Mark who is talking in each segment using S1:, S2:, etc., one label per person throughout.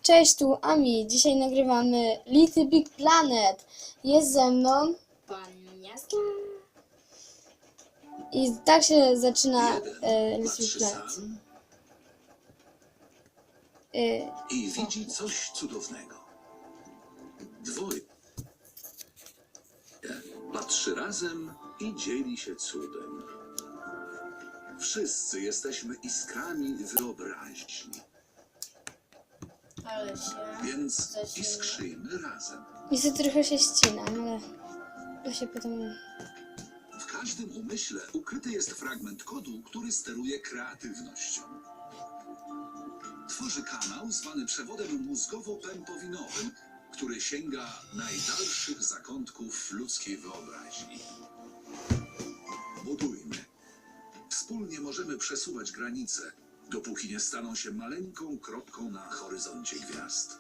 S1: Cześć, tu Ami. Dzisiaj nagrywamy Little Big Planet. Jest ze mną
S2: Pan Jaski.
S1: i tak się zaczyna Little Big Planet.
S3: I widzi coś cudownego. Dwoje patrzy razem i dzieli się cudem. Wszyscy jesteśmy iskrami wyobraźni,
S2: Ale się...
S3: więc iskrzyjmy razem.
S1: Niestety trochę się ścinam, ale to się potem...
S3: W każdym umyśle ukryty jest fragment kodu, który steruje kreatywnością. Tworzy kanał zwany przewodem mózgowo-pępowinowym, który sięga najdalszych zakątków ludzkiej wyobraźni. Budujmy. Wspólnie możemy przesuwać granice, dopóki nie staną się maleńką kropką na horyzoncie gwiazd.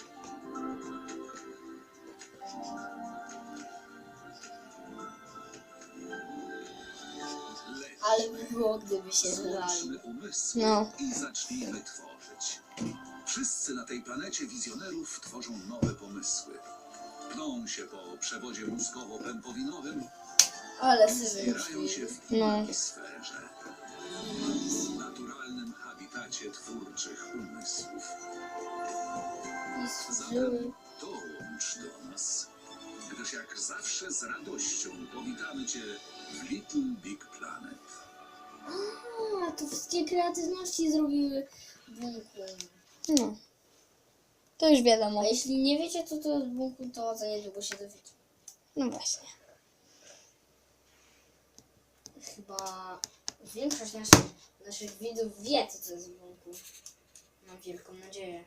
S2: Ale by było, gdyby się zlali.
S3: Złączmy umysły i zacznijmy tworzyć. Wszyscy na tej planecie wizjonerów tworzą nowe pomysły. Pną się po przewodzie mózgowo-pępowinowym,
S2: Ale sobie
S3: zbierają się w innej sferze. Naturalnym habitacie twórczych umysłów.
S2: I służyły.
S3: Zatem dołącz do nas, gdyż jak zawsze z radością powitamy Cię w Little Big Planet.
S2: A, to wszystkie kreatywności zrobiły bunkun.
S1: No. To już wiadomo.
S2: A jeśli nie wiecie, co to jest bunkun, to za niedługo się dowiecie.
S1: No właśnie.
S2: Chyba większość naszych widzów wie, co to jest bunkun. Mam wielką nadzieję.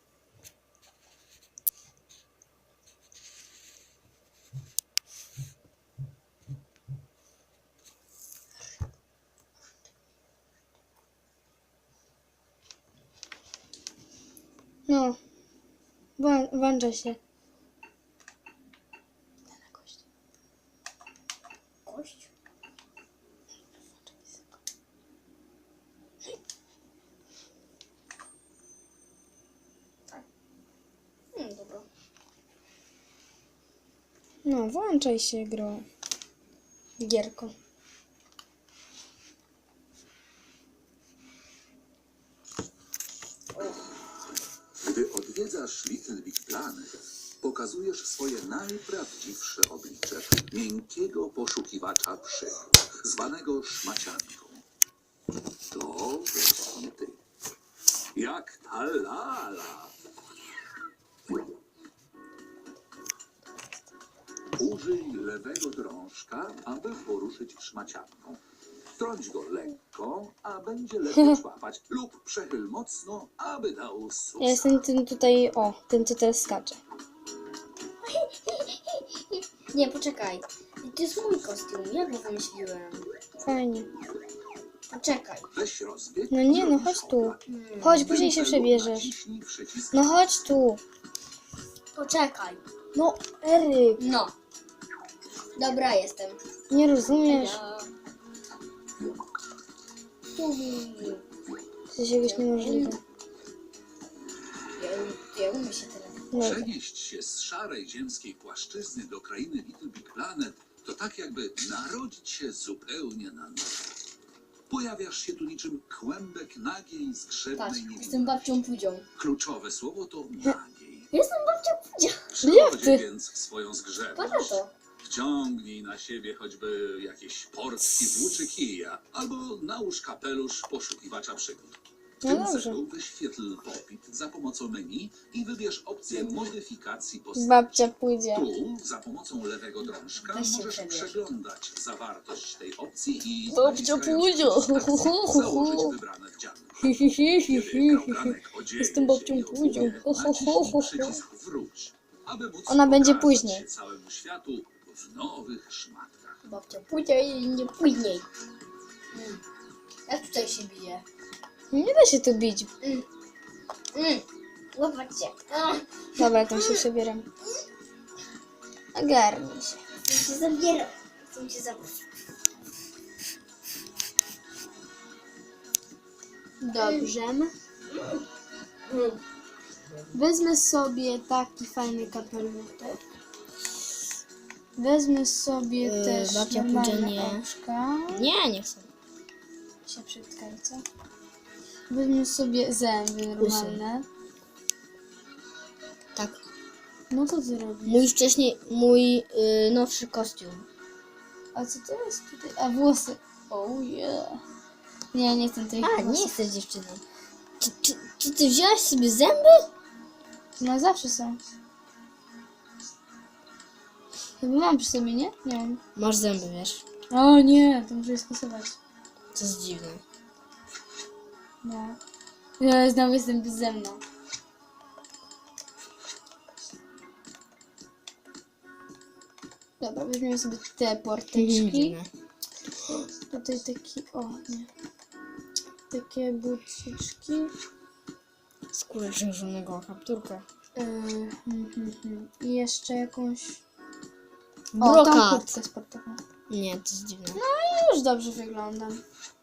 S1: No. Włącza się.
S2: Kość? Tak. Dobra.
S1: No, włączaj się, gro. Gierko.
S3: Gdy odwiedzasz Little Big Planet, pokazujesz swoje najprawdziwsze oblicze miękkiego poszukiwacza przygód, zwanego szmacianką. To właśnie ty. Jak ta lala. Użyj lewego drążka, aby poruszyć szmacianką. Trąć go lekko, a będzie lepiej złapać, lub przechyl mocno, aby dał susa.
S1: Ja jestem tym tutaj, tym co teraz skacze.
S2: Nie, poczekaj. To jest mój kostium, ja go wymyśliłem.
S1: Fajnie.
S2: Poczekaj.
S3: Weź rozbieg.
S1: No nie, no chodź tu. Chodź, później się przebierzesz.
S3: Naciśnij przycisk.
S1: No chodź tu.
S2: Poczekaj.
S1: No, Eryk.
S2: No. Dobra, jestem.
S1: Nie rozumiesz? To jest jakoś niemożliwe.
S2: Ja umiem się teraz.
S1: Dobra.
S3: Przenieść się z szarej ziemskiej płaszczyzny do krainy Little Big Planet to tak jakby narodzić się zupełnie na nowo. Pojawiasz się tu niczym kłębek nagiej,
S2: Patrz,
S3: zgrzebnej
S2: jestem
S3: niewinności.
S2: babcią Pudzią.
S3: Kluczowe słowo to nagiej.
S2: Jestem babcią Pudzią.
S3: Przychodzi więc swoją
S2: Patrz na
S3: zgrzebność.
S2: to.
S3: Wciągnij na siebie choćby jakieś portki włóczy kija, albo nałóż kapelusz poszukiwacza przygód. W
S1: No
S3: tym
S1: dobrze.
S3: celu wyświetl popit za pomocą menu i wybierz opcję modyfikacji postaci.
S1: Babcia pójdzie.
S3: Tu za pomocą lewego drążka
S2: Weź się
S3: możesz
S2: przebierz.
S3: przeglądać zawartość tej opcji i
S1: Babcia
S3: naciskając
S1: pójdzie.
S3: przycisk akcji założyć wybrane wdzianki. Kiedy kałganek odzieje
S1: Jestem babcią
S3: się i
S1: Pudzią.
S3: naciśnij przycisk wróć, aby móc
S1: Ona będzie
S3: pokazać
S1: później.
S3: się całemu światu w nowych szmatkach.
S2: Babcia Pudzia i nie później. Jak tutaj się bije?
S1: Nie da się tu bić.
S2: Zobaczcie.
S1: Dobra, tam się przebieram. Ogarnij się.
S2: Chcę się zabierać. Chcę się zabrać.
S1: Dobrze. Wezmę sobie taki fajny kapelutek. Wezmę sobie też
S2: babcia
S1: normalne
S2: pójdzie nie.
S1: oczka.
S2: Nie chcę.
S1: Się przytkaj, co? Wezmę sobie zęby normalne.
S2: Tak.
S1: No to ty robisz.
S2: Mój nowszy kostium.
S1: A co to jest tutaj? A włosy. Oh yeah. Nie chcę tej
S2: A, nie jesteś dziewczyną. Czy ty wziąłeś sobie zęby?
S1: No zawsze są. Chyba mam przy sobie, nie? Nie mam.
S2: Masz zęby, wiesz.
S1: O nie, to muszę je skasować.
S2: To jest dziwne.
S1: No. Ja znowu jestem bezzemna. Dobra, weźmiemy sobie te porteczki.
S2: Dziwne.
S1: Tutaj taki, o nie. Takie buciczki.
S2: Skórę księżonego kapturka.
S1: I jeszcze jakąś... O, tą
S2: Brokat.
S1: kurtkę sportową.
S2: Nie, to jest dziwne.
S1: Już dobrze wyglądam.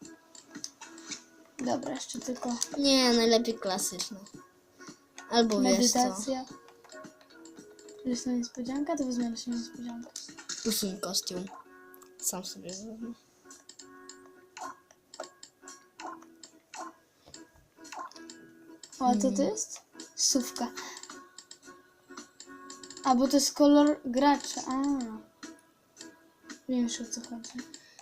S1: Dobra, jeszcze tylko
S2: Nie, najlepiej klasyczne. Albo wiesz co.
S1: medytacja. Jest na niespodzianka, to wezmę na niespodziankę.
S2: Usuń kostium. Sam sobie zrobię.
S1: O, a co to jest? Sówka. A, bo to jest kolor gracza. A. Wiem już, o co chodzi.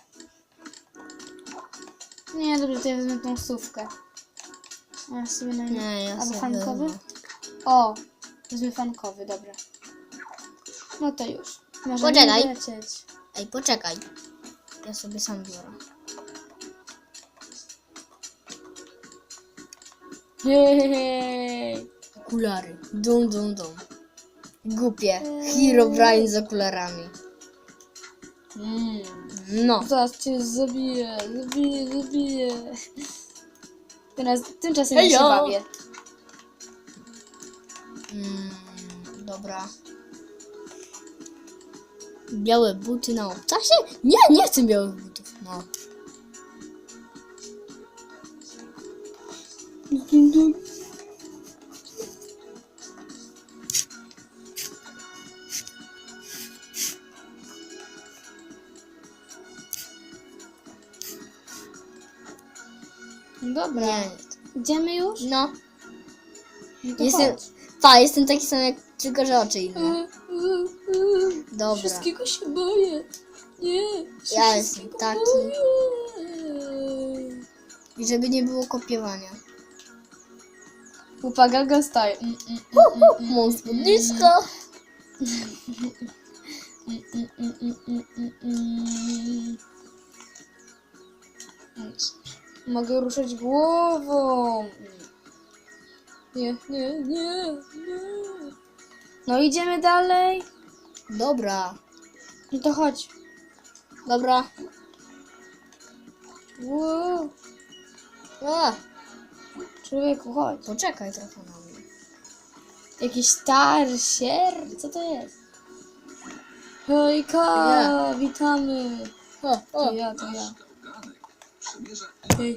S1: Nie, dobrze, to ja wezmę tą sówkę. A ja sobie na
S2: Nie, ja
S1: albo
S2: sobie
S1: fankowy?
S2: wezmę.
S1: O, wezmę fankowy, dobra. No to już. Możemy
S2: Poczekaj.
S1: lecieć.
S2: Ej, poczekaj. Ja sobie sam biorę.
S1: Jej.
S2: Okulary. Dum. Głupie. Herobrine z okularami. No.
S1: Zaraz cię zabiję. Teraz, tymczasem ja się
S2: Hejo.
S1: bawię.
S2: Dobra. Białe buty na obcasie? Nie chcę białych butów. No.
S1: Dobra.
S2: Nie.
S1: Idziemy już?
S2: No.
S1: No to
S2: Jestem,
S1: chodź.
S2: jestem taki sam jak, tylko że oczy inne. Dobra.
S1: Wszystkiego się boję. Nie.
S2: Ja jestem taki. I żeby nie było kopiowania.
S1: Upagaga style.
S2: Mam spódniczko.
S1: Mogę ruszać głową. Nie. No idziemy dalej.
S2: Dobra.
S1: No to chodź.
S2: Dobra.
S1: Wow.
S2: A,
S1: Człowieku, chodź.
S2: poczekaj trochę na mnie.
S1: Jakiś starsier? Co to jest? Hejka, witamy. To ja.
S3: Nasz gałganek przemierza
S1: Hej.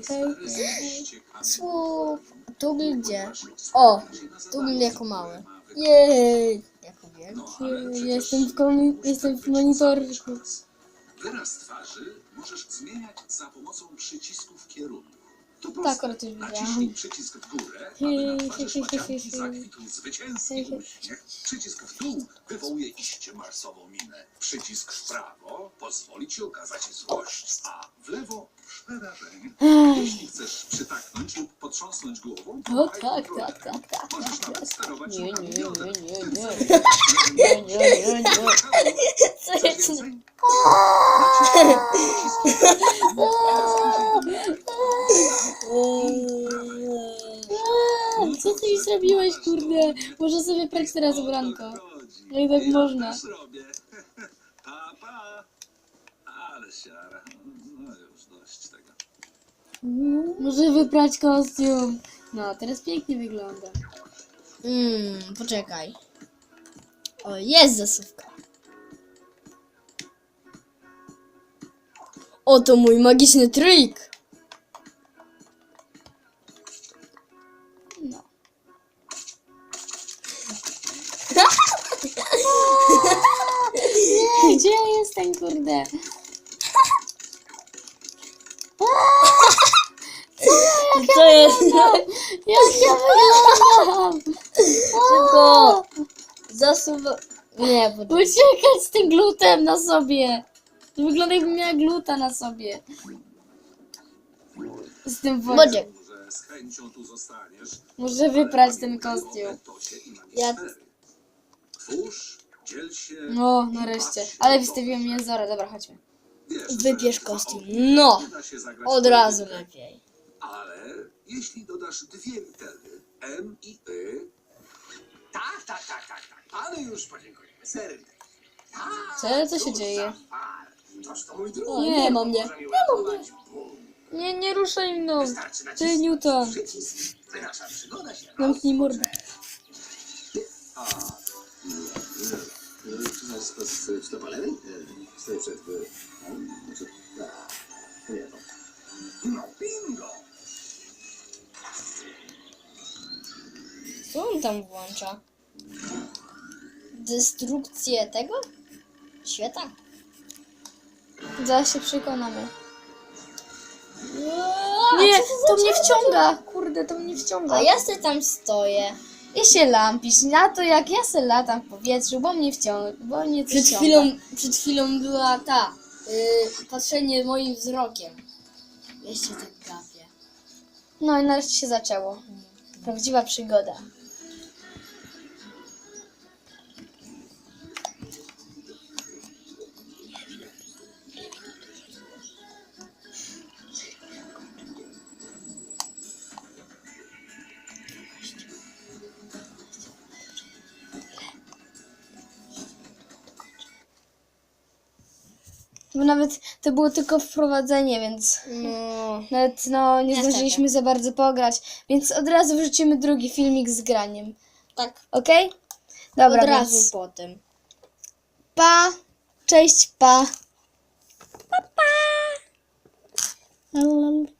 S2: Słup. Tu był gdzie? O, tu był jako mały. Jej. Jako wielki.
S1: Jestem w monitorku.
S3: Wyraz twarzy możesz zmieniać za pomocą przycisków kierunku. To
S1: Tak,
S3: proste.
S1: ale to już
S3: Naciśnij
S1: widziałam.
S3: przycisk w górę, aby na twarzy szmacianki zakwitł zwycięski
S1: Hej.
S3: uśmiech. Przycisk w dół wywołuje iście marsową minę. Przycisk w prawo pozwoli ci okazać złość, a w lewo przerażenie. Jeśli chcesz przytaknąć lub potrząsnąć głową,
S1: O
S3: pomachaj
S1: tak.
S3: kontrolerem. Możesz nawet sterować
S1: Nie.
S3: ruchami bioder.
S2: Co
S3: Chcesz
S2: jest?
S3: więcej? Naciśnij przycisk.
S1: Co ty mi zrobiłeś, kurde? Muszę sobie prać teraz ubranko. Jak tak można?
S3: Też robię. Pa. Ale siara. No już dość tego.
S1: Muszę wyprać kostium. No, teraz pięknie wygląda.
S2: Poczekaj. O, jest zasuwka. Oto mój magiczny trik.
S1: No. przestań, kurde.
S2: Co jest?
S1: Jak ja wyglądam?
S2: Szybko! Zasuwa... Nie, bo...
S1: Uciekać z tym glutem na sobie. Wygląda jakbym miała gluta na sobie. Z tym
S2: Bodzie.
S1: wąsem.
S3: Że z chęcią tu zostaniesz.
S1: Muszę wyprać ten kostium.
S2: Ja-
S3: Twórz, dziel się.
S1: No, nareszcie. Ale wystawiłem jezora. Dobra, chodźmy.
S3: Wiesz,
S2: Wybierz
S3: że
S2: kostium.
S3: za
S2: No!
S3: nie da się zagrać
S2: Od
S3: w
S2: razu
S3: politykę,
S2: lepiej.
S3: Ale jeśli dodasz dwie litery M i Y,
S4: Tak. Panu już podziękujemy serdecznie.
S1: Co się dzieje?
S4: Toż to mój drugi.
S2: O, nie ma mnie.
S4: Może mi uratować Bóg.
S1: Nie ruszaj mną.
S4: Wystarczy
S1: Ty,
S4: nacisnąć
S1: Newton.
S4: przycisk, by nasza przygoda się
S1: Zamknij mordę.
S4: z Topolem? Stoi przed... Nie to. No bingo!
S2: Co on tam włącza? Destrukcję tego? Świata?
S1: Zaraz się przekonamy.
S2: A,
S1: Nie,
S2: co
S1: to
S2: za
S1: mnie
S2: działa?
S1: wciąga. Kurde, to mnie wciąga.
S2: A ja sobie tam stoję.
S1: I się lampisz na to, jak ja se latam w powietrzu, bo mnie wciąga, bo mnie coś ciąga.
S2: Przed chwilą była ta... patrzenie moim wzrokiem. Jeszcze tak gapię.
S1: No i nareszcie się zaczęło. Prawdziwa przygoda. Bo nawet to było tylko wprowadzenie, więc
S2: No...
S1: nawet nie
S2: Niestety.
S1: zdążyliśmy za bardzo pograć, więc od razu wrzucimy drugi filmik z graniem.
S2: Tak,
S1: Okej? Dobra,
S2: od razu
S1: więc
S2: potem.
S1: pa, cześć, pa. Pa, pa.